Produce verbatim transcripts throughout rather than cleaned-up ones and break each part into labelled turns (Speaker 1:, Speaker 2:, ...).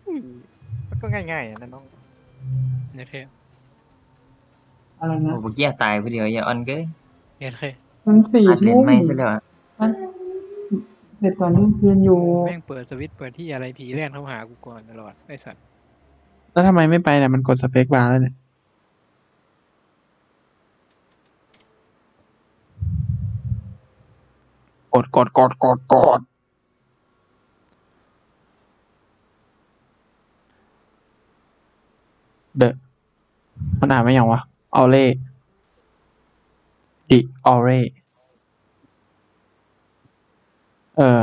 Speaker 1: มันก็ง่ายๆนะน้อง
Speaker 2: เนี่ยเค
Speaker 3: อะไรนะ
Speaker 4: โอ้เมื่อกี้ตายผู้เดียวอย่าอ่อนเกิน
Speaker 2: เนี่ยเค
Speaker 3: มันสี่
Speaker 4: อัดเล่น
Speaker 3: ทุ่ม
Speaker 4: ไม่ซะแล้วอะ
Speaker 3: มันเสร็จก่อนเที่ยงคืนอยู่
Speaker 2: แม่งเปิดสวิตช์เปิดที่อะไรผีแล่นเข้าหากูก่อนตลอดไอ้สัตว์
Speaker 3: แล้วทำไมไม่ไปเนี่ยมันกดสเปคบาร์แล้วเนี่ยกดกดกดกดกดเดอะมันอ่านไม่ยังวะออเล่ดิออเร่เอ่อ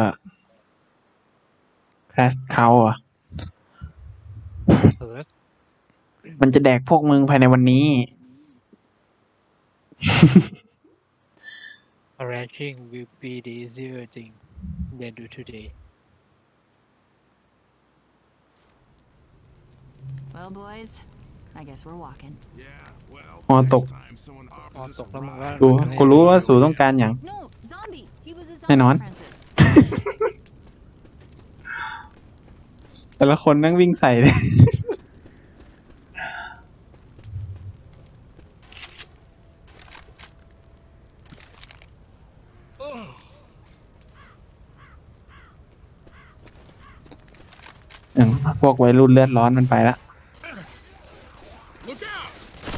Speaker 3: แคสเขาอ่ะ
Speaker 2: เปิด
Speaker 3: มันจะแดกพวกมึงภายในวันนี้
Speaker 2: ranking will be the easier thing than do today
Speaker 5: Well, boys, I guess we're walking.
Speaker 6: Yeah, well,
Speaker 3: ฮอตก
Speaker 6: next time someone
Speaker 2: ออน
Speaker 6: offers
Speaker 2: ต
Speaker 6: us
Speaker 2: ก
Speaker 6: a
Speaker 2: แล้วมึงว่า
Speaker 6: ride,
Speaker 3: กูกูรู้ว่าสูต้องการอย่าง
Speaker 5: No, zombie. He was a
Speaker 3: แน่นอน
Speaker 5: zombie, Francis.
Speaker 3: แต่ละคนนั่งวิ่งใส่เลย อืมพวกวัยรุ่นเลือดร้อนมันไปละ
Speaker 6: look out!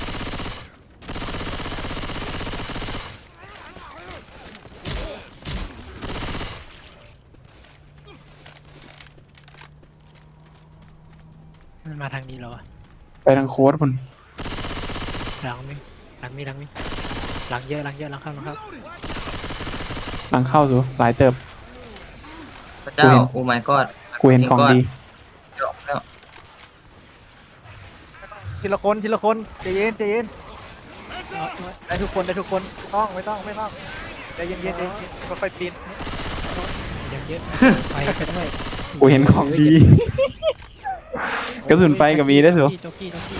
Speaker 2: มันมาทางนี้แล้วอะ
Speaker 3: ไปทางโค้ดคุณ
Speaker 2: หลังมีหลังมีหลังมีหลังเยอะหลังเยอะหลังเข้าหลังเข้า
Speaker 3: หลังเข้าสู่หลายเติบ
Speaker 4: พระเจ้าโอ้ my god
Speaker 3: กูเห็นของดี
Speaker 4: จบแล้ว
Speaker 1: ทีละคนทีละคนใจเย็นใจเย็นได้ทุกคนได้ทุกคนไม่ต้องไม่ต้องไม่ต้องใจเย็นเย็นใจเย็นค่อยๆปีน
Speaker 2: ยังเยอะไปกันด้วย
Speaker 3: กูเห็นของดี กระสุนไฟกับมีได้วยสู
Speaker 2: โจ๊กกี้โจ๊กกี้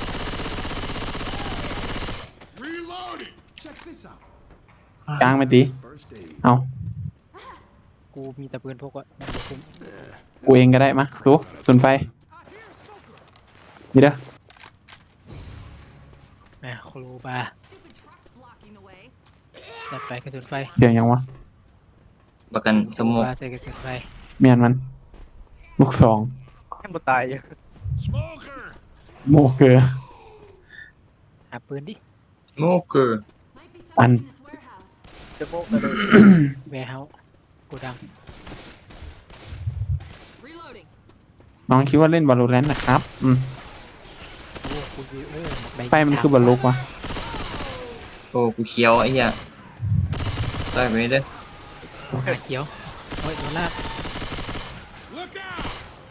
Speaker 6: Reloading! Check this out.
Speaker 3: กลางไปตี
Speaker 6: First aid.
Speaker 3: เอา
Speaker 2: กูมีแต่ปืนพกอะมันจะคุ้ม
Speaker 3: กูเองก็ได้มาสูสุนไฟนี่เด้อ
Speaker 2: อ่ะครูบา
Speaker 5: Stupid truck's blocking the way.
Speaker 2: จัดไปกระสุนไฟ
Speaker 3: เดี๋ยวยังวะ
Speaker 4: ประกันส
Speaker 2: ครู
Speaker 4: มอง
Speaker 2: บาใส่กระสุนไฟ
Speaker 3: เมียนมัน ลูกสอง
Speaker 1: ยังบ่ตายอยู่
Speaker 6: Smoker!
Speaker 3: โมเกอร์
Speaker 2: หาปืนดิ
Speaker 4: โมเกอร์
Speaker 5: Might be
Speaker 3: Ăn.
Speaker 5: something in this warehouse.
Speaker 1: จะโบกเลย
Speaker 2: แวร์เฮาส์กูดัง
Speaker 5: Reloading.
Speaker 3: น้องคิดว่าเล่นบอลลูแรนต์นะครับ อืม
Speaker 2: โอ้กูยืเออหมกใด
Speaker 3: ไฟมันคือบอลลูกวะ
Speaker 4: โอ้กูเขียวไอ้เหี้ยต่อยไปเด้อ
Speaker 2: หาเขียวโอ้ยโดนลาก
Speaker 6: Look out!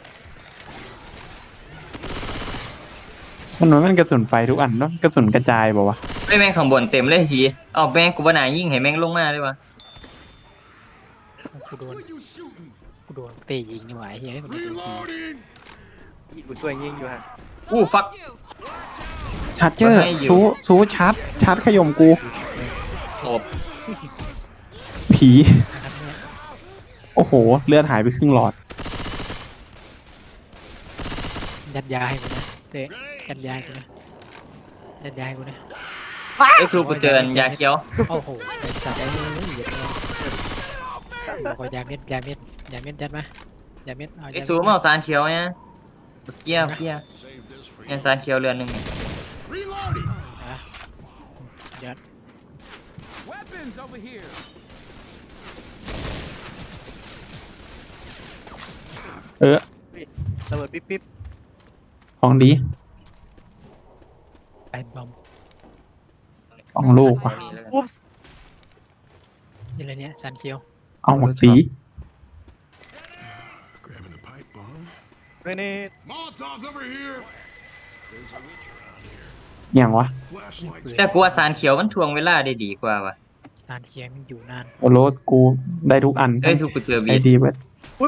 Speaker 3: มันเหมือนมันกระสุนไฟทุกอันเนาะกระสุนกระจายบอกว่าวะ
Speaker 4: ไอ้ยแม่งข้างบนเต็มเลยทีเอ้าแม่งกูว่าน่ายิงให้แม่งลงมาเลยวะ
Speaker 2: กูโดน
Speaker 6: Who you shooting?
Speaker 2: กูโดนเตะยิงนี่หว่าไอ้เฮ้ยมันโดนยิง
Speaker 6: Reloading!
Speaker 1: กูช่วยยิงอยู่ฮะ
Speaker 4: อู้ฟัก
Speaker 5: You.
Speaker 3: ชาร์เจอร์
Speaker 4: ให้อยู่
Speaker 3: ซูซูชาร์จชาร์จขยมกู
Speaker 4: ศพ
Speaker 3: ผี
Speaker 2: นะครับเนี่ย
Speaker 3: โอ้โห เลือดหายไปครึ่งหลอด
Speaker 2: ยัดยาให้กูนะเตะยัดยาให้กูนะยัดยาให้กูนะ
Speaker 4: ไอ้สู้กูเจออันยาเขียว
Speaker 2: โอ้โหไอ้สัตว์ไอ้เหยียดเลยบอกว่ายาเม็ดยาเม็ดยาเม็ดยัดมายาเม็ดเอา
Speaker 4: ไอ้
Speaker 2: ยา
Speaker 4: สู้
Speaker 2: เม็ด
Speaker 4: มาเอาสารเขียวเนี่ยบักเกี้ยวเกี้ยว
Speaker 6: Save this for
Speaker 4: เนี่ย
Speaker 6: you.
Speaker 4: สารเขียวเรือนหนึ่ง
Speaker 6: Reloading!
Speaker 2: อ่ะยัด
Speaker 6: Weapons over here!
Speaker 3: เออ
Speaker 1: ระเบิดปิ๊บปิ๊บ
Speaker 3: ของดี
Speaker 2: ไปบอม
Speaker 3: ของลูกว่ะ
Speaker 1: อุ๊บส์
Speaker 2: นี่อะไรเนี่ยสันเขียว
Speaker 3: เอาหมดสี
Speaker 6: Grabbing a pipe bomb.
Speaker 1: เรเน่
Speaker 6: Molotovs over here! There's a witch around here.
Speaker 3: อย่างวะ
Speaker 6: Flashlights.
Speaker 4: แต่กูว่าสารเขียวมันทวงเวลาได้ดีกว่าวะ
Speaker 2: สันเขียวมันอยู่นาน
Speaker 3: โอโรสกูได้ทุกอัน
Speaker 4: เอ้ยสู้กูเจอ
Speaker 3: ไอ
Speaker 4: บี
Speaker 3: ดีเว้ย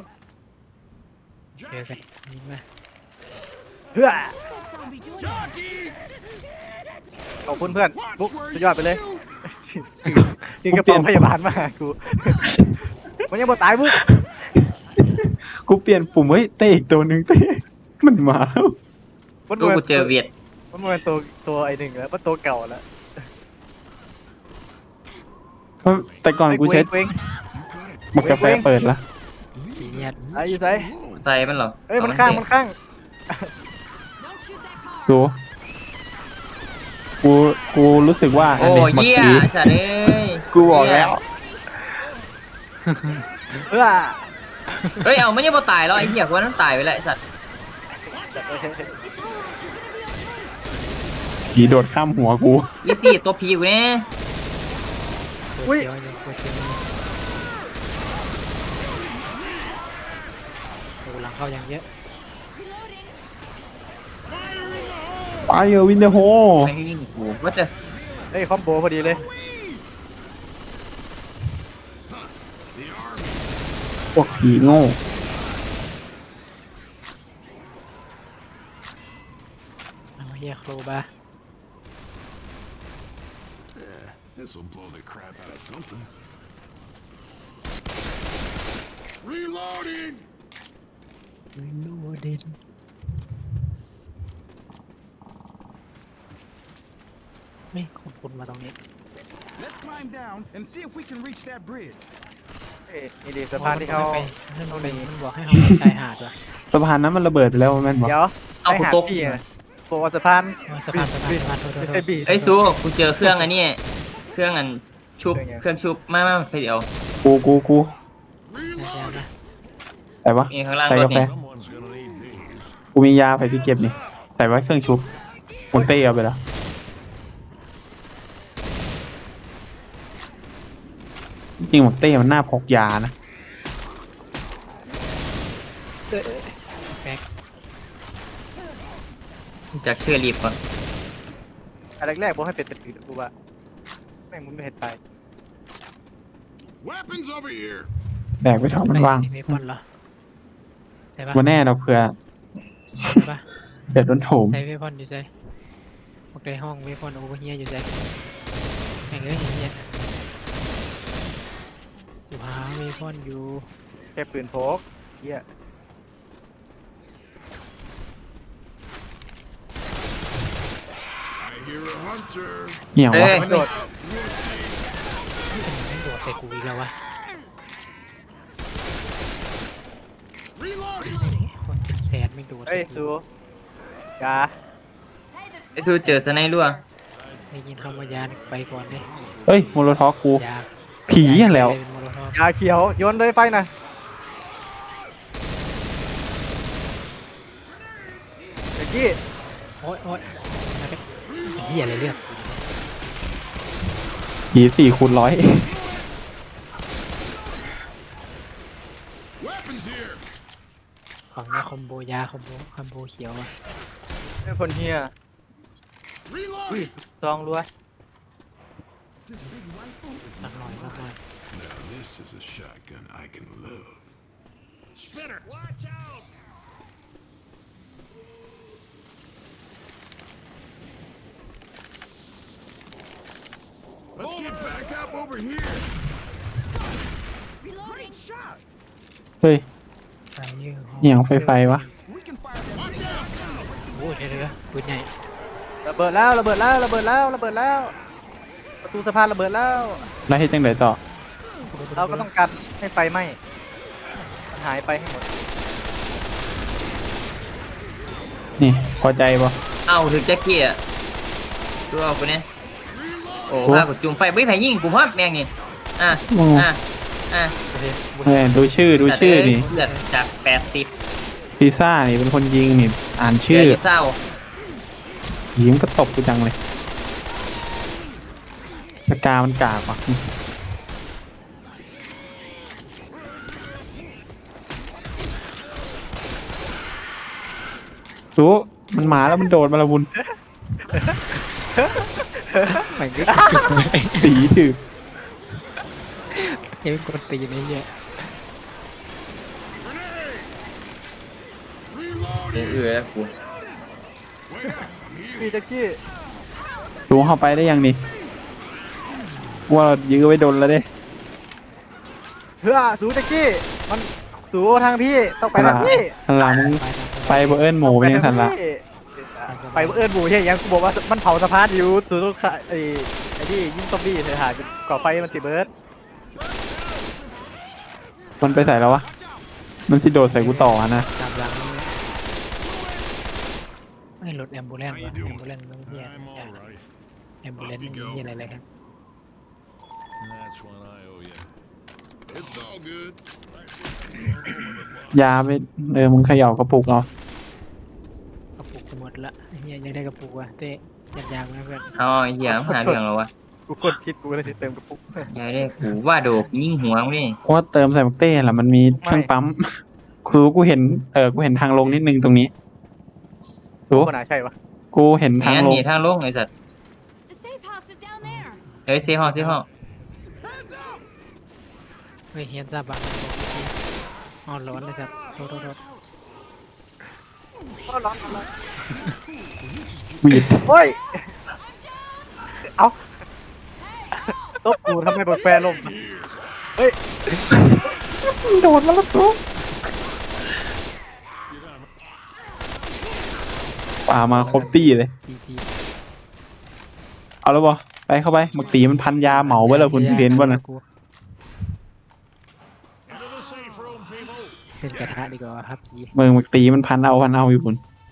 Speaker 2: เจอกันยิงมา
Speaker 1: เฮ้อ
Speaker 5: What's that zombie doing?
Speaker 6: Jockey!
Speaker 1: ขอบคุณเพื่อน
Speaker 6: Watch
Speaker 1: บุ๊ก
Speaker 6: where
Speaker 1: สุดยอดไปเลย
Speaker 6: you shoot.
Speaker 1: นี่กระเป๋าพยาบาลมาหากู มันยังบ่ตายบุ๊ก
Speaker 3: กูเปลี่ยนปุ่มเฮ้ยเตะอีกตัวหนึ่งเตะมันมาแล้ว
Speaker 1: มัน
Speaker 4: ดูกูเจอเวียด
Speaker 1: มันเป็นตัวตัวไอหนึ่งแล้วมันตัวเก่าแล้ว
Speaker 3: เพราะแต่ก่อนกูใช้
Speaker 1: เว้ง
Speaker 3: หมกกาแฟเปิดละ
Speaker 2: สีเนียด
Speaker 1: ไอ้ยูไซ
Speaker 4: ใจมันเหรอ
Speaker 1: เอ้ยมันข้างมันข้าง
Speaker 5: Don't shoot that car.
Speaker 3: ดูกูกูรู้สึกว่า
Speaker 4: โอ้
Speaker 3: นนี้
Speaker 4: เหี้ย
Speaker 3: เมื่อกี้
Speaker 4: สัตว์เอ้ย
Speaker 3: กูบอกแล้ว
Speaker 1: เออ
Speaker 4: เฮ้ยเอาไม่ยังบ่ตายแล้วไอ้เหี้ยกูว่านั้นตายไปแล้วไอ้สัตว์
Speaker 5: It's alright. You're gonna be okay.
Speaker 3: ผีโดดข้ามหัวกู
Speaker 4: อีซี่ตัวพีกูเนี่ย
Speaker 2: ตัวเขียวยังตัวเขียวยังโอ้หลังเข้ายังเยอะ
Speaker 5: Reloading.
Speaker 3: ไปเออวินเดอร์โฮ
Speaker 4: แม่งยิงกูว่าจะ
Speaker 1: เฮ้ยคอมโบพอดีเลย
Speaker 3: พวกผีโง่
Speaker 2: เอาเฮียโครบา
Speaker 6: This'll blow the crap out of something. Reloading!
Speaker 2: ไม่รู้เด่นไม่คนคนมาตรงนี้
Speaker 7: Let's climb down and see if we can reach that bridge.
Speaker 1: เอ้ยนี่ดีสะพานที่เขา
Speaker 2: ไปนั่นไปมันบอกให้เขาไปชายหาดว่ะ
Speaker 3: สะพานนั้นมันระเบิดไปแล้วแม่นบอก
Speaker 1: เดี๋ยว
Speaker 4: เอากูตก
Speaker 1: พี่อะบอกว่าสะพาน
Speaker 2: เอาสะพานสะพานสะพานโทษโทษ
Speaker 1: ไม่
Speaker 2: โท
Speaker 1: ใช่
Speaker 2: ษ
Speaker 1: บี
Speaker 4: ไอ้ยซูกูเจอเครื่องอันนี้เครื่องอันชุบเครื่องชุบมามาไปเดี๋ยว
Speaker 3: กูกูกู
Speaker 2: แซวนะ
Speaker 3: ใส่ปะ
Speaker 4: นี่ข้างล่าง
Speaker 3: ใส่
Speaker 4: ร
Speaker 3: กา
Speaker 4: ถ
Speaker 3: แฟ
Speaker 4: นี่
Speaker 6: Someone's gonna need these.
Speaker 3: กูมียาไปที่เก็บนี่ใส่ไว้เครื่องชุบหมดเต้เอาไปแล้วจริงๆหมดเต้มันน่าพกยานะ
Speaker 2: แบ็ค
Speaker 4: จากเชื่อรีบก่อน
Speaker 1: อันแรกๆบอกให้เป็นเป็นปีกูว่าแม่งมึงไม่เห็นตาย
Speaker 6: Weapons over here!
Speaker 3: แบกไปถอดมันว่าง
Speaker 2: มีคนเหรอใช่ปะ
Speaker 3: วันแน่เราเผื่อ
Speaker 2: ใช่ปะ
Speaker 3: เดือดร้อนโถม
Speaker 2: ใช้เวพอนอยู่ใจพวกในห้องเวพอนโอเวอร์เฮียอยู่ใจแข่งเรื่องเฮียอยู่หาเวพอนอยู่
Speaker 1: แค่ปืนพกเฮีย
Speaker 6: I hear a hunter.
Speaker 3: เหี่ยว
Speaker 4: เอ้
Speaker 3: วะ
Speaker 4: ย
Speaker 1: มันโดด
Speaker 2: เป็นไม่โดดใส่กูอีกแล้ววะ
Speaker 6: Reloading!
Speaker 2: คนเป็นแสนไม่โดด
Speaker 1: เฮ้ยซูยา
Speaker 5: Hey, this
Speaker 4: ไอ้ซูเจอสไนรั่ว
Speaker 2: ได้ยินคำว่ายานไปก่อนเลย
Speaker 3: เฮ้ยโมโลทอฟกู
Speaker 2: ยา
Speaker 3: ผีอย่างแล้ว
Speaker 2: เป็นโมโลทอฟ
Speaker 1: ยาเขียวโยนเลยไฟหน่อยเมื่อกี้
Speaker 2: โอ๊ยโอ๊ยมาเป็นเฮียอะไรเรื่อง
Speaker 3: ผีสี่คูณร้อย
Speaker 6: Weapons here!
Speaker 2: ของเนี้ยคอมโบยาคอมโบคอมโบเขียวอะ
Speaker 1: เป็นคนเฮียอุ้ย
Speaker 6: Reloading!
Speaker 1: ซองรัว
Speaker 2: สักหน่อยสักหน่อย
Speaker 6: Now this is a shotgun I can love. Spinner! Watch out! Let's get back up over here!
Speaker 5: reloading.
Speaker 7: Shot.
Speaker 3: เฮ้ย
Speaker 2: ไฟยื
Speaker 3: เหี่ยวไฟไฟวะ
Speaker 7: We can fire that
Speaker 6: Watch out!
Speaker 2: โอ้ยเดี๋ยวเดี๋ยวปืนใหญ่
Speaker 1: ระเบิดแล้วระเบิดแล้วระเบิดแล้วระเบิดแล้ว ประตูสะพานระเบิดแล้ว
Speaker 3: แล้วให้จังไดต่อ
Speaker 1: เราก็ต้องการให้ไฟไหม้มันหายไปให้หมด
Speaker 3: นี่พอใจปะ
Speaker 4: เอ้าถึงแจ็คกี้อ่ะดูเอากูเนี่ยโอ้พากูจุ่มไฟไม่ไผ่ยิงกูพอดแมงนี่อ่ะอ่ะอ่ะ
Speaker 3: เฮ้ยดูชื่อดูชื่อนี่
Speaker 4: เลือดจากแปดสิบ
Speaker 3: พิซซ่านี่เป็นคนยิงนี่อ่าน
Speaker 4: เชื่
Speaker 3: ชื่อ
Speaker 4: อเศร้า
Speaker 3: ยิงก็ตบกูจังเลยสกามันกากว่ะสู้มันหมาแล้วมันโดดมาละบุญ
Speaker 2: แม่งก็
Speaker 3: สีถือ
Speaker 2: ยังกดตีในเนี่ย
Speaker 4: เออเออแล้วกู
Speaker 1: พี่แจ็คกี้
Speaker 3: สู้เข้าไปได้ยังนี่ว่าเรายื้อไว้โดนแล้วเด้
Speaker 1: เฮ้อสูแจ็คกี้มันสูทางพี่ต้องไปทางพี่
Speaker 3: หันหลังมึง
Speaker 2: ไปทาง
Speaker 3: ไปบ่เอิ้นหมูเป็นยังสันละ
Speaker 1: ไปเอิ้นหมูใช่ยังกูบอกว่ามันเผาสะพานอยู่สุดลูกค้าไอ้ไอ้ที่ยิงซอมบี้เธอหาก่อไฟมันสิเบิร์ด
Speaker 3: มันไปใส่แล้ววะมันสิโดดใส่กูต่อนะ
Speaker 2: ตามหลังนี่ไม่รถแอมบูเลนซ์วะแอมบูเลนซ์ไม่เหี้ย
Speaker 6: I'm all right.
Speaker 2: แอมบูเลนซ์ไม่มีเหี้ยอะไรเลยครับ
Speaker 6: That's one I owe you. It's all good.
Speaker 3: ยาไปเออมึงเขย่ากระปุกเอา
Speaker 2: กระปุกจะหมดละไอ้เหี้ยยังได้กระปุกวะเต้ยัดยางมาเพื่อน
Speaker 4: เอาไอ้เหี้ยมึงหาเรื่องเหรอวะ
Speaker 1: กูกดผิดกูเลยสิเติมกระปุก
Speaker 4: ยายเด้กูว่าโดกยิงหัวมึงนี่
Speaker 3: เพราะว่าเติมใส่มักเต้แหละมันมีเครื่องปั๊มคือกูเห็นเออกูเห็นทางลงนิดนึงตรงนี้สู
Speaker 1: กูน่าใช่ปะ
Speaker 3: กูเห็น
Speaker 4: แม่
Speaker 3: ทาง
Speaker 4: น
Speaker 3: ลง
Speaker 4: หนีทางลงไอ้สัตว์
Speaker 5: The safe house is down there.
Speaker 4: เฮ้ยเซฮอลเซฮอล
Speaker 2: เฮ้ยเฮียนซาบังอ๋อร้อนเลยสัตว์โทษโทษโทษ
Speaker 1: ร้อนร้อนร้อน
Speaker 3: วีด
Speaker 1: เฮ้ยเอาตบกูทำไมเปิดแฟร์ลมเฮ้ย
Speaker 3: โดดมาแล้วสูป่ามาครบตี้เลย
Speaker 2: จีจี
Speaker 3: เอาแล้วบ่ไปเข้าไปมักตีมันพันยาเหมาไว้แล้วคุณเห็นบ่นะ
Speaker 2: เป็นกระทะดีกว่าครับยี
Speaker 3: มึงมักตีมันพันเอาพันเอาอยู่คุณ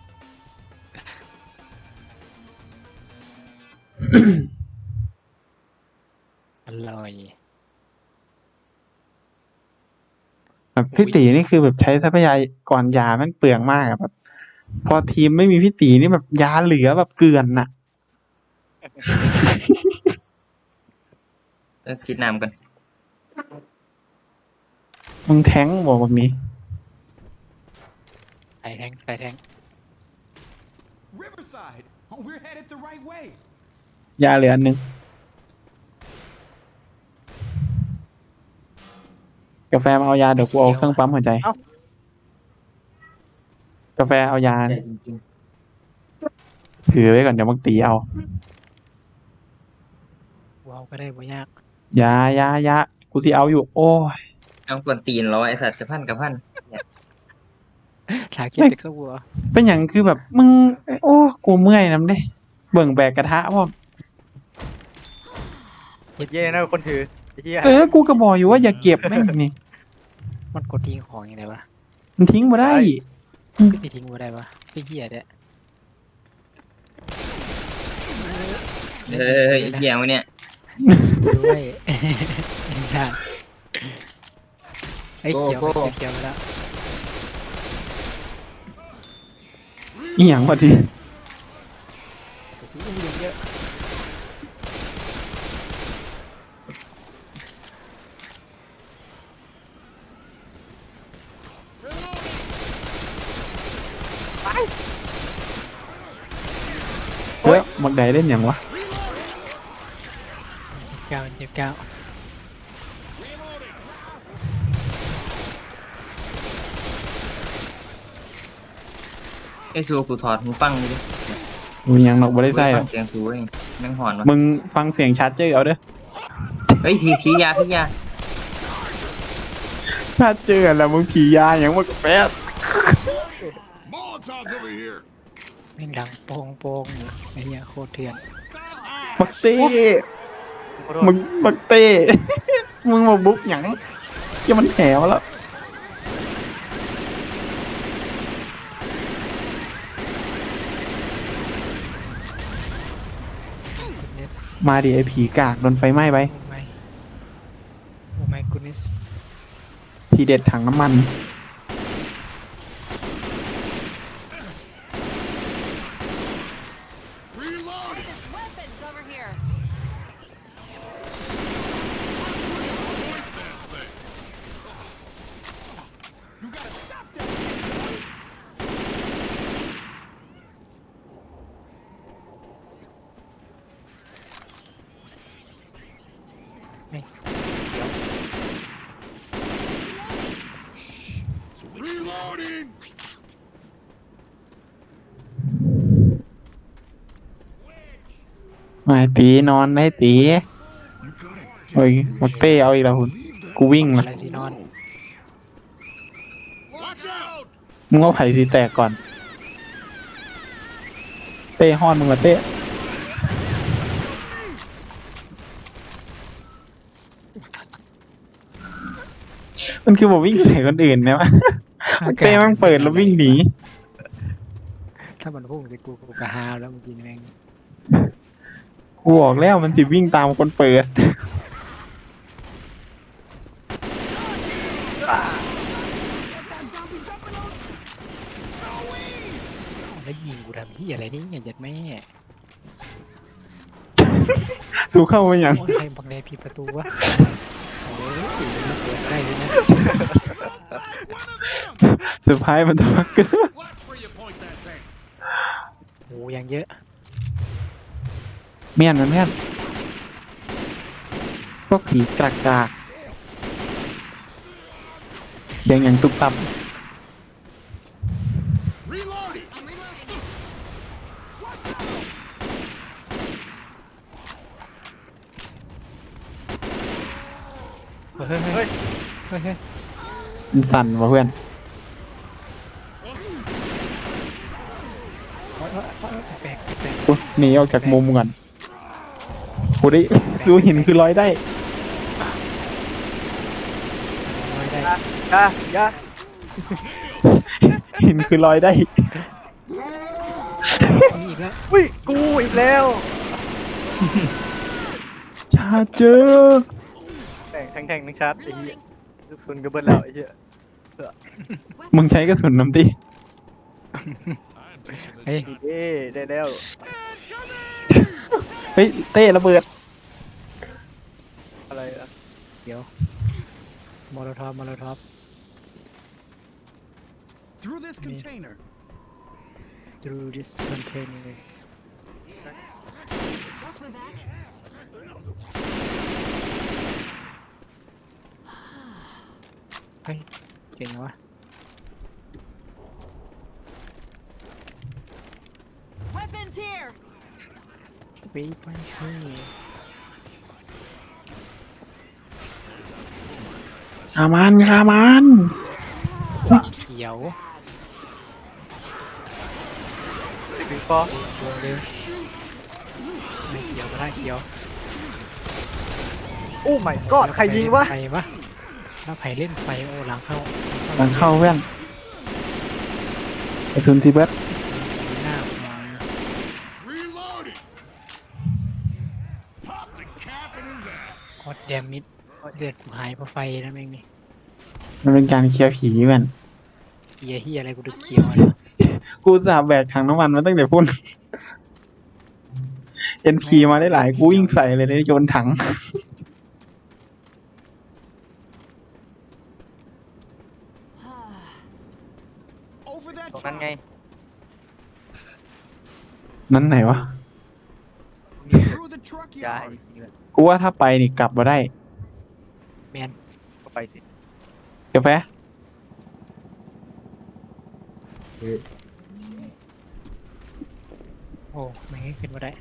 Speaker 2: อร่อย
Speaker 3: แบบพี่ตีนี่คือแบบใช้ทรัพยากรยาแม่งเปลืองมากอะแบบ พอทีมไม่มีพี่ตีนี่แบบยาเหลือแบบเกลือนน่ะ
Speaker 4: เออกินน้ำกัน
Speaker 3: มึงแท้งบอกแบบนี้
Speaker 2: ใส่แทงใส่แทง
Speaker 7: Riverside. Oh, we're headed the right way.
Speaker 3: ยาเหลืออันหนึงกาแฟมาเอายาเดี๋ยวกูเอาเครื่องปั๊มหัวใจ กาแฟเอายา
Speaker 4: ใจจริง
Speaker 3: ถือไว้ก่อนเดี๋ยวมักตีเอา
Speaker 2: ว้าวก็ได้บ่ยาก
Speaker 3: ยายายากูสิเอาอยู่ โอ้ย
Speaker 4: ๆเอากวนตีนเหรอไอ้สัตว์จะพันกับพัน
Speaker 2: ถาเก็บเด็กสักวัว
Speaker 3: เป็นอย่างคือแบบมึง โอ้กูเมื่อยน้ำเด้เบิ่งแบกกระทะว่า
Speaker 1: เย่นะคนถือไอ้เหี้ย
Speaker 3: เออกูก็บอกอยู่ว่าอย่าเก็บแม่งนี่
Speaker 2: มันกดทิ้งของยังไงวะ
Speaker 3: มันทิ้งมาได้
Speaker 2: ก็สิทิ้งบ่ได้วะไอ้เหี้ยเด้
Speaker 4: เฮ้ยเหี้ยมึงเนี่ย
Speaker 2: ด้วยใช่ไอ้เขียว
Speaker 4: โก้โก้
Speaker 2: ไอ้เขียวไปแล้ว
Speaker 3: อีหยังวะที
Speaker 1: อุ้มยิงเยอะ
Speaker 3: เฮ้ยมักใดเล่นอย่างวะ
Speaker 2: เก้าเจ็บเก้า
Speaker 4: ไอ้ซูกูถอดหูฟังดิ
Speaker 3: มีหยังหรอกบ่ได้ใส่หร
Speaker 4: ฟั
Speaker 3: อง ก
Speaker 4: เสียงซูเองแม่งหอนวะ
Speaker 3: มึงฟังเสียงชัดเจอเอาเด้อ
Speaker 4: เฮ้ยผีผียาผียา
Speaker 3: ชัดเจอแล้วมึงผียาอย่างมึงแป๊ด
Speaker 6: Molotov's over here.
Speaker 2: แม่งดังโป่งโป่งอยู่ไอ้เหี้ยโคตรเถื่อน
Speaker 3: บักเต้มึงบักเต้ มึงมาบุกหยังอย่ามันแถวแล้ว
Speaker 2: goodness
Speaker 3: มาดิไอผีกากโดนไฟไหม้ไป
Speaker 2: โอ้ไม่โอ้ my goodness
Speaker 3: ทีเด็ดถังน้ำมัน
Speaker 5: There's weapons over here.
Speaker 7: You gotta stop that.
Speaker 2: เฮ้ย
Speaker 6: Reloading.
Speaker 3: มาตีนอนได้ตี
Speaker 6: You got it.
Speaker 3: เฮ้ยบักเต้เอาอีกแล้วคุณกูวิ่ง
Speaker 2: อะ
Speaker 3: ละ
Speaker 2: ไรสินอน
Speaker 6: Watch out.
Speaker 3: มึงเอาไผ่สีแตกก่อน เต้ห้อนมึงละเต้มันคือบอกวิ่งใส่คนอื่นเนี่ยวะเต้แม่งเปิดแล้ววิ่งหนี
Speaker 2: ถ้ามันพุ่งสิกูกูกะฮาวแล้วเมื่อกี้แม่ง
Speaker 3: กูบอกแล้วมันสิวิ่งตามคนเปิด
Speaker 2: แล้วยิงกูทำที่อะไรนี่อย่าจัดแม่
Speaker 3: สู้เข้าไปยัง
Speaker 2: โอ้ยใครบังแลผิดประตูวะโอ้ยมันเปิดได้เลยนะ
Speaker 3: สุดท้ายมันจะพักเกอร์
Speaker 6: Watch where you point that thing.
Speaker 2: โอ้ยังเยอะ
Speaker 3: เมียนมันเมียนพวกผีกากกากเสียงอย่างตุบตับ
Speaker 6: Reloading.
Speaker 5: I'm reloading.
Speaker 2: เฮ้ยเฮ้ยเฮ้ยเฮ้ย
Speaker 3: มันสั่นว่ะเพื่อน
Speaker 2: แปลกแปลก
Speaker 3: กูหนีออกจากมุมก่อนกูได้สู้หินคือร้อยได้
Speaker 2: ไม่ได้
Speaker 1: อย่าอย่า
Speaker 3: หินคือร้อยได้
Speaker 2: มีอีกแล้ว
Speaker 1: อุ้ยกูอีกแล้ว
Speaker 3: ชาเจอ
Speaker 1: แทงแทงแทงนึงชาร์จไอ้เหี้ยลูกซุนกระเบิดแล้วไอ้เหี้ย
Speaker 3: มึงใช้กระสุนน้ำตี
Speaker 2: เฮ้ย
Speaker 1: ดีเด้ได้แล้ว
Speaker 3: เฮ้ยเต้ระเบิด
Speaker 1: อะไรอะ
Speaker 2: เดี๋ยวมอลโลทอฟมอลโลทอฟ
Speaker 7: Through this container.
Speaker 2: through this container
Speaker 5: Watch my back.
Speaker 2: เฮ้ยเก่งวะ
Speaker 5: Weapons here.
Speaker 2: ปีปันซี่
Speaker 3: ขามันขามัน
Speaker 2: เขียว
Speaker 1: ถึงปอ
Speaker 2: ดวงเลยไม่เขียวก็ได้เขียว
Speaker 1: โอ้ my god ใครยิงวะ
Speaker 2: ใครวะแล้วไผ่เล่นไฟโอหลังเข้า
Speaker 3: หลังเข้าเพื่อนกระสุนทีเบิร์ด
Speaker 2: หน้ามา
Speaker 6: Reloading. Pop the cap in his ass.
Speaker 2: ฮอตแดมมิดเลือดกูหายเพราะไฟนะแม่งนี่
Speaker 3: มันเป็นการเคลียร์ผีเพื่อน
Speaker 2: เฮียเฮียอะไรกูดูเขียวอะไรวะ
Speaker 3: กูจะแบกถังน้ำมันมาตั้งแต่พุ่น เอ็นพีมาได้หลายกูวิ่งใส่เลยนะโยนถัง
Speaker 7: Over that
Speaker 1: ตรงนั้น
Speaker 7: truck.
Speaker 1: ไง
Speaker 3: นั้นไหนวะ
Speaker 7: Through the truck
Speaker 1: ย้าย
Speaker 7: yard.
Speaker 1: จริงๆเลย
Speaker 3: กูว่าถ้าไปนี่กลับมาได้
Speaker 2: แมน
Speaker 1: ก็ไปสิ
Speaker 3: กาแฟ
Speaker 2: โอ้ไม่ให้ขึ้นมาได้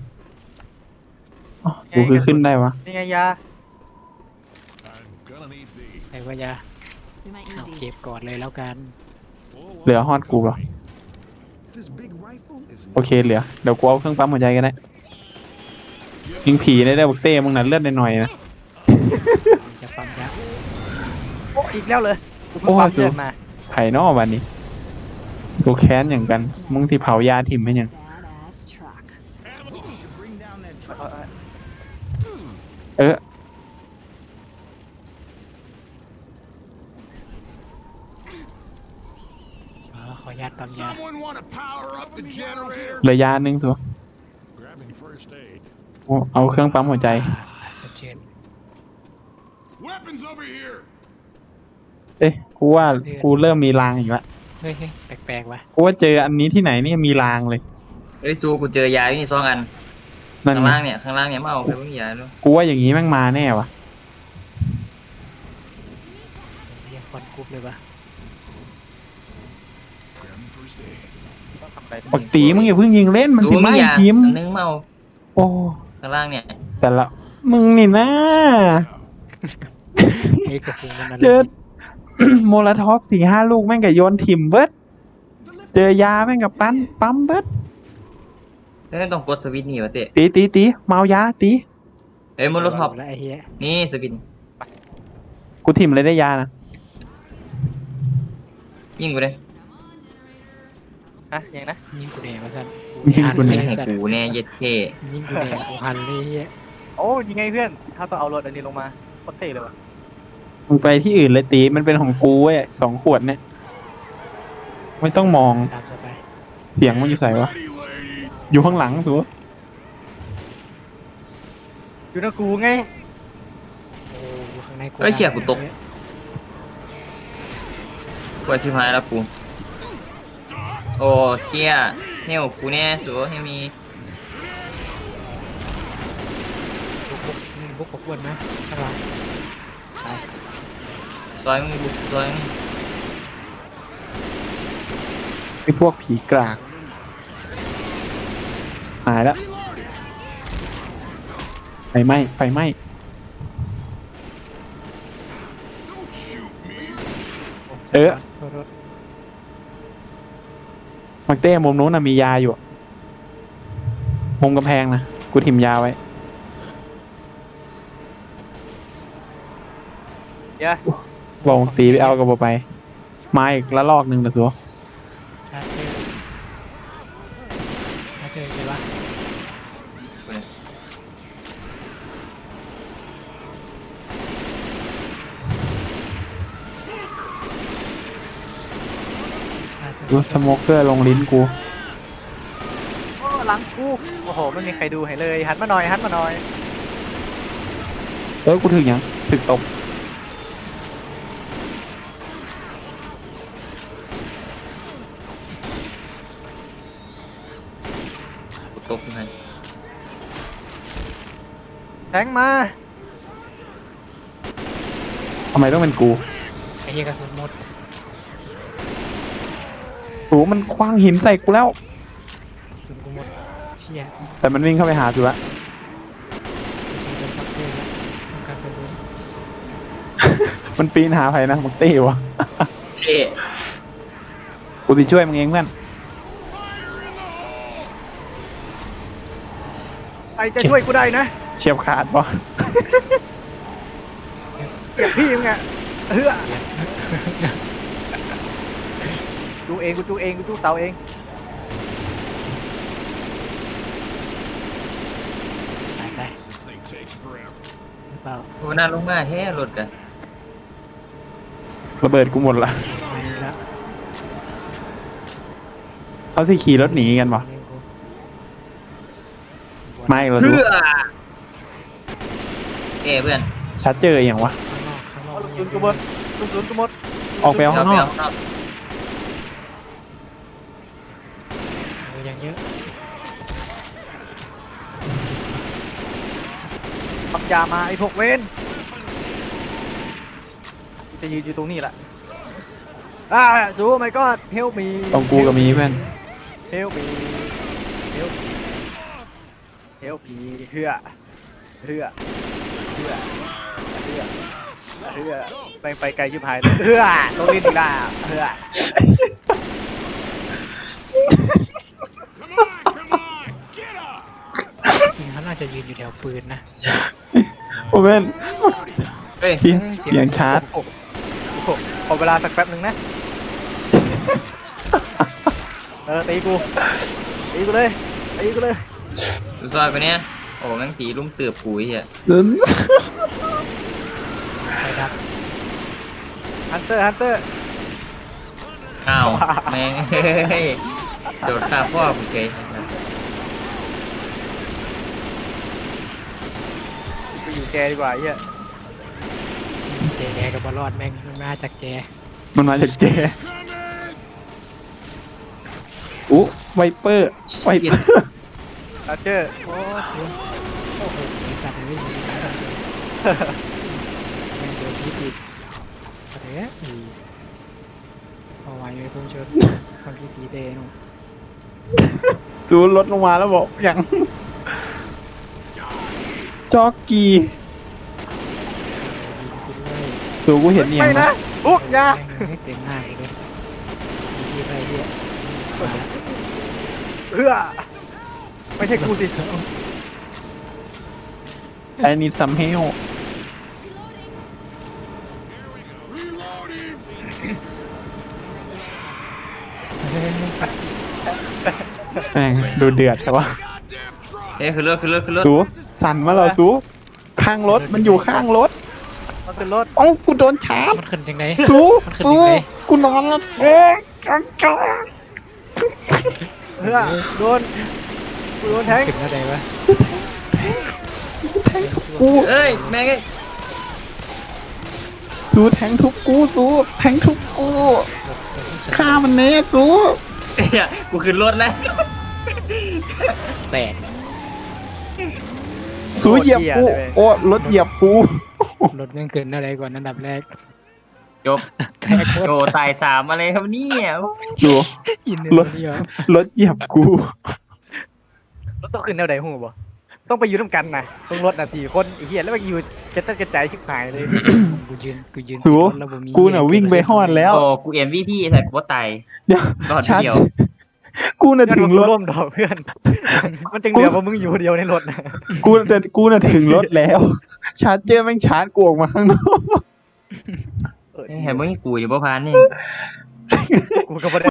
Speaker 3: อ๋อกูคือขึ้นได้วะ
Speaker 1: นี่ไงยา
Speaker 6: I'm gonna need these.
Speaker 2: ใครว่ายา
Speaker 5: We might
Speaker 2: เอา
Speaker 5: need
Speaker 2: เก็บ
Speaker 5: these.
Speaker 2: ก่อนเลยแล้วกัน
Speaker 6: Full
Speaker 3: เหลือฮอดกูเหรอ
Speaker 7: This big rifle is
Speaker 3: โอเคเหลือ เดี๋ยวกูเอาเครื่องปั๊มหัวใจกันได้ยิงผีได้ได้บอกเต้มึงนั้นเลือดหน่อยๆนะ
Speaker 2: จะปั๊มยา
Speaker 1: โอ้อีกแล้วเลยกูเพิ่ง
Speaker 3: โอ้
Speaker 1: ปั๊ม
Speaker 3: สู
Speaker 1: เลือดมา
Speaker 3: ไผ่นอกวันนี้กูแค้นอย่างกัน มึงที่เผายาถิ่มให้ยัง
Speaker 5: Badass truck.
Speaker 7: to bring down that
Speaker 1: เอา
Speaker 7: truck.
Speaker 1: เอาเอา
Speaker 3: เออ
Speaker 2: อ๋อขออนุญาตปั๊มยา
Speaker 6: Someone want to power up the generator?
Speaker 3: เหลือยาหนึ่งสัว
Speaker 6: Grabbing first aid.
Speaker 3: กูเอาเครื่องปั๊มหัวใจ
Speaker 2: สะเทือน
Speaker 6: Weapons over here.
Speaker 3: เอ๊ะกูว่ากูเริ่มมีรางอีกแล้ว
Speaker 2: เฮ้ยเฮ้ยแปลกๆว่ะ
Speaker 3: กูว่าเจออันนี้ที่ไหนนี่มีรางเลย
Speaker 4: เอ้ยซูกูเจอยาอยู่นี่สองอัน
Speaker 3: นั่น
Speaker 4: ข้าง
Speaker 3: ไง
Speaker 4: ล่างเนี่ยข้างล่างเนี่ยมาเอาไปไม่มียาด้วย
Speaker 3: กูว่าอย่างนี้แม่งมาแน่วะ
Speaker 2: เฮียคอนกรุ๊ปเลยว่ะ
Speaker 6: Grabbing first aid.
Speaker 1: ต้องทำอะไร
Speaker 3: ปกติมึงอย่าเพิ่งยิงเล่นมัน
Speaker 4: ดู
Speaker 3: ถึง
Speaker 4: มี
Speaker 3: ไม่
Speaker 4: ยา
Speaker 3: พิมพ์
Speaker 4: อันนึงมาเอา
Speaker 3: โอ้
Speaker 4: ข้างล่างเนี่ย
Speaker 3: แต่ละมึงนี่นะ
Speaker 2: เฮ้ยกระสุนมันอะไร
Speaker 3: เจอโมลาทอกสี่ห้าลูกแม่งกับโยนถิ่มเบิดเจอยาแม่งกับปั้นปั๊มเบิด
Speaker 4: แล้วต้องกดสวิตช์นี่วะเตะ
Speaker 3: ตีตีตีเมายาตี
Speaker 4: เอ้ยมอลโลท็อป
Speaker 2: แล้วไอ้เหี้ย
Speaker 4: นี่สวิตช์
Speaker 3: กูถิ่มเลยได้ยานะ
Speaker 4: ยิงกูเลย
Speaker 1: ฮะยังนะ
Speaker 2: ยิงกูแดงมาสั่น
Speaker 3: ยิงกูเนี่ย
Speaker 4: ให้กูแน่เย็ดเท่
Speaker 2: ยิงกูแดงกูหันเลยเหี้ย
Speaker 1: โอ้ยังไงเพื่อนถ้าต้องเอารถอันนี้ลงมาโคตรเท่เลยว่ะ
Speaker 3: มึงไปที่อื่นเลยตีมันเป็นของกูเว้ยสองขวดเนี่ยไม่ต้องมอง
Speaker 2: ตามต่อไป
Speaker 3: เสียงมันอยู่ใส่วะ
Speaker 6: Ready, ladies.
Speaker 3: อยู่ข้างหลังตัว
Speaker 1: อยู่นะกูไง
Speaker 2: โอ้ข้างในกู
Speaker 4: เอ้ยเชี่ยกูตกกว่าชิบหายแล้วกูโอ้เชี่ยเฮลกูแน่สัวเฮลมี
Speaker 2: บุกบุกมึงบุกกับอ้วนไหมข้างหลังไป
Speaker 4: ซอยมึงบุกซอยมึง
Speaker 3: ไอ้พวกผีกรากหายแล้วไฟไหม้ไฟไหม้
Speaker 6: Don't shoot me.
Speaker 3: เออ
Speaker 2: โทษโทษ
Speaker 3: มักเต้มุมนู้นน่ะมียาอยู่มุมกำแพงนะกูถิ่มยาไว้
Speaker 1: เดี๋ยว
Speaker 3: บอกมักตีไปเอากับบ่ไปมาอีกละลอกหนึ่งละสัว
Speaker 2: ชาร์จเจอชาร์จเจอเห็นปะ
Speaker 4: กูเนี่ย
Speaker 2: ชาร์จเจอ
Speaker 3: ดูสโมเกอร์ลงลิ้นกู
Speaker 1: โอ้หลังกูโอ้โหไม่มีใครดูให้เลยหันมาหน่อยหันมาหน่อย
Speaker 3: เออกูถึงยังถึงตบ
Speaker 4: กูตกให้
Speaker 1: แทงมา
Speaker 3: ทำไมต้องเป็นกู
Speaker 2: ไอ้เหี้ยกระสุนหมด
Speaker 3: สูมันคว้างหินใส่กูแล้ว
Speaker 2: กระสุนกูหมดเชี่ย
Speaker 3: แต่มันวิ่งเข้าไปหาสูละ
Speaker 2: เป็นช็อตเจอแล้วต้องการกระสุน
Speaker 3: มันปีนหาใครนะมักเต้วะ
Speaker 4: เท่
Speaker 3: กูจะช่วยมึงเองเพื่อน
Speaker 1: ใครจะช่วยกูได้นะ
Speaker 3: เฉียบขาดปะ
Speaker 1: เก็บพี่มึงอะเฮ้อดูเองกูดูเองกูดูเสาเอง
Speaker 2: ตายไป
Speaker 6: This thing takes forever.
Speaker 2: หรือเปล่า
Speaker 4: โอ้น่าลงมาแท้รถกัน
Speaker 3: ระเบิดกูหมดละ
Speaker 2: ไม่รู้แล้ว
Speaker 3: เขาที่ขี่รถหนีกันปะไม่เราดู
Speaker 4: เพื่อเอ้เพื่อน
Speaker 3: ชัดเจออย่างวะ
Speaker 2: ข้างนอกข้างนอก
Speaker 1: เอาลูกศูนย์กูหมดลูกศูนย์กูหมด
Speaker 3: ออกไปเอา
Speaker 4: เดี๋ยว
Speaker 3: ข้างน
Speaker 4: ไป
Speaker 3: อก
Speaker 4: เอาข้างนอก
Speaker 2: โอ้ยังเยอะ
Speaker 1: ปักยามาไอ้พวกเวนจะยืนอยู่ตรงนี้แหละอ่าสู้ไม่ก็เฮลมี
Speaker 3: ตรงกูก็มีเพื่อน
Speaker 1: เฮลมีเฮลมีเฮลมีเฮือเฮือเฮือเฮือเฮือไปไปไกลชิบหายเลยเฮือลงลิ้นอีกแล้วเฮือ
Speaker 6: Come on, come on, get up.
Speaker 2: จริงเขาน่าจะยืนอยู่แถวปืนนะ
Speaker 3: โอ้เพื่อน
Speaker 4: เฮ้ย
Speaker 3: เสียงเสียงชาร์จ
Speaker 1: โอ้โหขอเวลาสักแป๊บหนึ่งนะเออตีกูตีกูเลยตีกูเลย
Speaker 4: ดูซอยกูเนี่ยโอ้แม่งตีลุ่มเตือบกูไอ้เหี้ย
Speaker 2: ไปดับ
Speaker 1: ฮันเตอร์ฮันเตอร์
Speaker 4: อ้าวแม่งเฮ้ยโดดข้ามพ่อกูเกย
Speaker 1: ไปอยู่แกดีกว่าไอ้เหี้ย
Speaker 2: แจกับบอลรอดแม่งมันมาจากแจ
Speaker 3: มันมาจากเจอู้ไวเปอร์ไวเปอร์
Speaker 1: ฮันเตอร์
Speaker 2: โอ้โหโอ้โหสัตว์เลยมีการเลยแม่งโดนพิษอีกอะไรอ่ะอีเอาไว้ไม่พุ่งชนความคิดดีเต้นุ่ม
Speaker 3: ซูนรถลงมาแล้วบอกอย่างจ็อกกี้
Speaker 2: ยิงกูด้วย
Speaker 3: ซูกูเห็นเนี่ย
Speaker 1: ไม่นะ
Speaker 3: นะ
Speaker 1: อุ๊กยา
Speaker 2: ไม่เต็มหน้ากูเลยมีอะไรเยอะ
Speaker 1: เพื่อไม่ใช่กูสิ
Speaker 3: ไอ้นี่ซัมเฮล แม่งดูเดือดใช่ปะ
Speaker 4: เอ้ยคือรถคือรถคือรถ
Speaker 3: สูสั่นมาแล้วสูข้างรถมันอยู่ข้างรถ
Speaker 1: มันเป็นรถ
Speaker 3: เอ้ากูโดนชาร์จ
Speaker 2: มันขึ้นยังไง
Speaker 3: สู
Speaker 2: มันขึ้น
Speaker 3: สู
Speaker 2: ยังไง
Speaker 3: กูนอนแล้วโอ้ยจังจัง
Speaker 1: เพื่อโดนกูโดนแทง
Speaker 2: ขึ้นอะไรวะ
Speaker 3: กู
Speaker 4: เอ้ยแม่งเอ้ย
Speaker 3: สูแทงทุบกูสูแทงทุบกูฆ่ามันเน่สู
Speaker 4: เอ้ยกูขึ้นรถแล้ว
Speaker 2: แตก
Speaker 3: สูเหยียบกูโอ้รถเหยียบกู
Speaker 2: รถแม่งขึ้นอะไรก่อนอันดับแรก
Speaker 4: จบโดตายสามอะไรครับเนี่ย
Speaker 3: ดู
Speaker 2: อินเน
Speaker 3: ร
Speaker 2: อ
Speaker 3: ถ
Speaker 2: ร์เดียว
Speaker 3: รถเหยียบกู
Speaker 1: รถต้องขึ้นแนวไหนหูบ่ต้องไปอยู่น้ำกันนะต้องรถนาทีคนไอ้เหี้ยแล้วไปอยู่กระจัดกระจายชิบหายเลย
Speaker 2: กูยืนกูยืน
Speaker 3: สู
Speaker 2: รถแล้วบ่มี
Speaker 3: กูน่ะวิ่งไปฮอดแล้ว
Speaker 4: โอ้กูเอ็มวีพีแต่กูว่าตาย
Speaker 3: เดี๋ยว
Speaker 4: รอด
Speaker 3: ชาร์จ
Speaker 4: เดียว
Speaker 3: กูน่ะ
Speaker 1: งั้น
Speaker 3: ถึ
Speaker 1: มึ
Speaker 3: ง
Speaker 1: ง
Speaker 3: รถ
Speaker 1: ร่วมดอกเพื่อน มันจึงเหลือว่ามึงอยู่เดียวในรถนะ
Speaker 3: กูน่ะกูน่ะถึงรถแล้ว ชาร์จเจอร์แม่งชาร์จกูออกมาข้างนอก
Speaker 1: เออ
Speaker 4: เห็นมึงกูอยู่บ่พานนี่
Speaker 1: กูก็บ่ได้